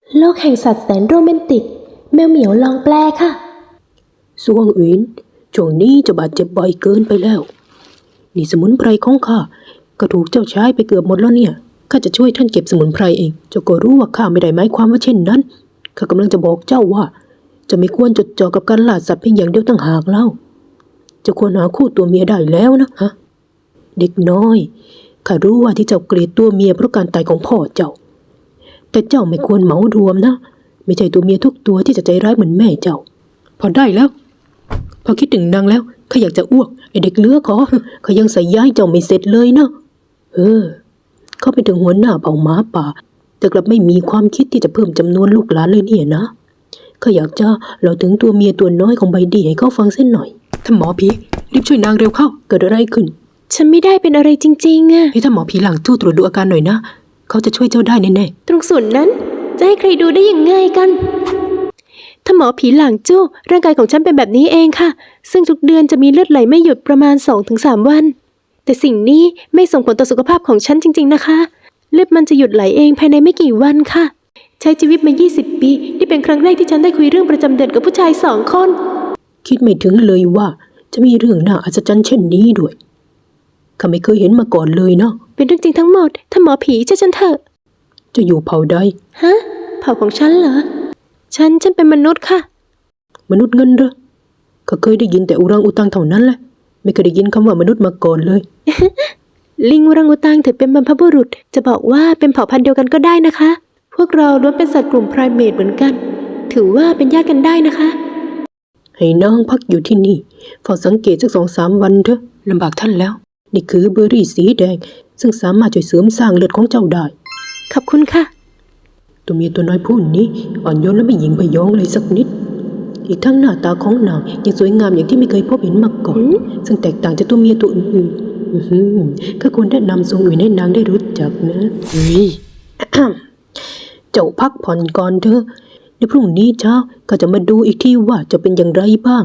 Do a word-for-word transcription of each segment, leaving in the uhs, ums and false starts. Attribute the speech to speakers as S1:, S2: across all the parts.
S1: โลกแห่งสัตว์แสนโรแมนติกแมวเหมียวลองแปลค่ะ
S2: สวงอินช่วงนี้เจ้าบาดเจ็บบ่อยเกินไปแล้วนี่สมุนไพรของข้าก็ถูกเจ้าใช้ไปเกือบหมดแล้วเนี่ยข้าจะช่วยท่านเก็บสมุนไพรเองเจ้าก็รู้ว่าข้าไม่ได้หมายความว่าเช่นนั้นข้ากำลังจะบอกเจ้าว่าจะไม่ควรจดจ่อกับการล่าสัตว์เพียงอย่างเดียวต่างหากเล่าจะควรหาคู่ตัวเมียได้แล้วนะฮะเด็กน้อยข้ารู้ว่าที่เจ้าเกลียดตัวเมียเพราะการตายของพ่อเจ้าแต่เจ้าไม่ควรเหมารวมนะไม่ใช่ตัวเมียทุกตัวที่จะใจร้ายเหมือนแม่เจ้าพอได้แล้วพอคิดถึงนางแล้วข้าอยากจะอ้วกไอเด็กเลือขอเขายังใส่ย้ายเจ้าไม่เสร็จเลยนะเออเขาเป็นถึงหัวหน้าเผ่าหมาป่าแต่กลับไม่มีความคิดที่จะเพิ่มจำนวนลูกหลานเลยเนี่ยนะข้าอยากจะเล่าถึงตัวเมียตัวน้อยของใบดีให้เขาฟังเส้นหน่อยท่านหมอผีรีบช่วยนางเร็วเข้าเกิดอะไรขึ้น
S1: ฉันไม่ได้เป็นอะไรจริงๆอะ
S2: ให้ท่านหมอผีหลังทู่ตรวจดูอาการหน่อยนะเขาจะช่วยเจ้าได้แน่
S1: ๆตรงส่วนนั้นจะให้ใครดูได้ยังไงกันถ้าหมอผีหลังจู้ร่างกายของฉันเป็นแบบนี้เองค่ะซึ่งทุกเดือนจะมีเลือดไหลไม่หยุดประมาณ สองถึงสาม วันแต่สิ่งนี้ไม่ส่งผลต่อสุขภาพของฉันจริงๆนะคะเลือดมันจะหยุดไหลเองภายในไม่กี่วันค่ะใช้ชีวิตมายี่สิบปีนี่เป็นครั้งแรกที่ฉันได้คุยเรื่องประจำเดือนกับผู้ชายสองคน
S2: คิดไม่ถึงเลยว่าจะมีเรื่องน่าอัศจรรย์เช่นนี้ด้วยข้าไม่เคยเห็นมาก่อนเลยเนาะ
S1: เป็นเรื่องจริงทั้งหมดถ้าหมอผีเชื่อฉันเถอะ
S2: จะอยู่เผ่าใด
S1: ฮะเผ่าของฉันเหรอฉันฉันเป็นมนุษย์ค่ะ
S2: มนุษย์เงินเหรอข้าเคยได้ยินแต่อุรังอุตังเท่านั้นแหละไม่เคยได้ยินคำว่ามนุษย์มาก่อนเลย
S1: ลิงอุรังอุตังถือเป็นบรรพบุรุษจะบอกว่าเป็นเผ่าพันธุ์เดียวกันก็ได้นะคะพวกเราล้วนเป็นสัตว์กลุ่มไพรเมทเหมือนกันถือว่าเป็นญาติกันได้นะคะ
S2: ให้นางพักอยู่ที่นี่เฝ้าสังเกตสักสองสามวันเถอะลำบากท่านแล้วนี่คือเบอร์รี่สีแดงซึ่งสามารถช่วยเสริมสร้างเลือดของเจ้าได้
S1: ขอบคุณค่ะ
S2: ตัวเมียตัวน้อยผู้นี้อ่อนโยนและไม่หยิ่งพยองเลยสักนิดอีกทั้งหน้าตาของนางยังสวยงามอย่างที่ไม่เคยพบเห็นมาก่อนซึ่งแตกต่างจากตัวเมียตัวอื่นๆข้าควรแนะนำทรงอื่นให้นางได้รู้จักนะเฮ้ย เจ้าพักผ่อนก่อนเถอะในพรุ่งนี้เช้าก็จะมาดูอีกทีว่าจะเป็นอย่างไรบ้าง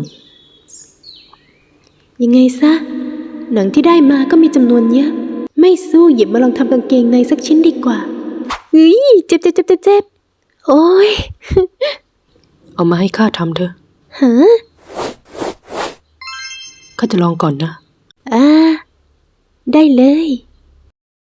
S1: ยังไงซะหนังที่ได้มาก็มีจำนวนเยอะไม่สู้หยิบมาลองทำกางเกงในสักชิ้นดีกว่าเฮ้ยเจ็บเจ็บเจ็บเจ็บโอ๊ย
S2: เอามาให้ข้าทำเถอะ
S1: ฮะ
S2: ข้าจะลองก่อนนะ
S1: อ่าได้เลย